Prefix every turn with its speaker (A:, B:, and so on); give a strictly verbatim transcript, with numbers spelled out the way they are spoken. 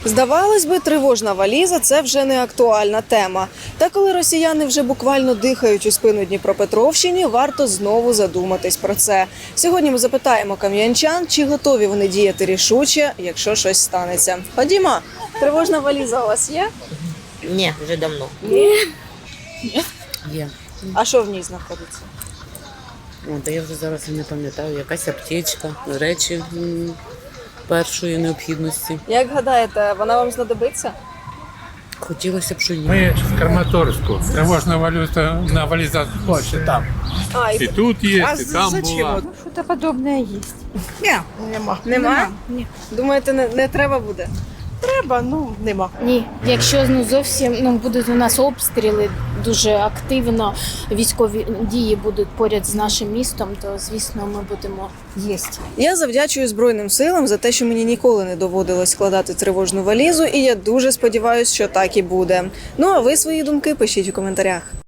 A: Здавалось би, тривожна валіза – це вже не актуальна тема. Та коли росіяни вже буквально дихають у спину Дніпропетровщині, варто знову задуматись про це. Сьогодні ми запитаємо кам'янчан, чи готові вони діяти рішуче, якщо щось станеться. Ходімо, тривожна валіза у вас є?
B: Ні, вже давно.
A: Ні.
C: Є.
A: А що в ній знаходиться?
C: О, та я вже зараз і не пам'ятаю, якась аптечка, речі м, першої необхідності.
A: Як гадаєте, вона вам знадобиться?
C: Хотілося б, що ні.
D: Мы с Краматорску. Тревожная валюта на вализа больше там.
A: А,
D: И тут есть, и там была.
E: Что-то подобное есть. Ні, нема.
A: Нема?
E: Ні.
A: Думаєте, не, не треба буде?
E: Треба, ну нема.
F: Ні, якщо ну зовсім ну будуть у нас обстріли дуже активно, військові дії будуть поряд з нашим містом, то звісно ми будемо
E: Єсть.
A: Я завдячую Збройним силам за те, що мені ніколи не доводилось складати тривожну валізу, і я дуже сподіваюся, що так і буде. Ну а ви свої думки пишіть у коментарях.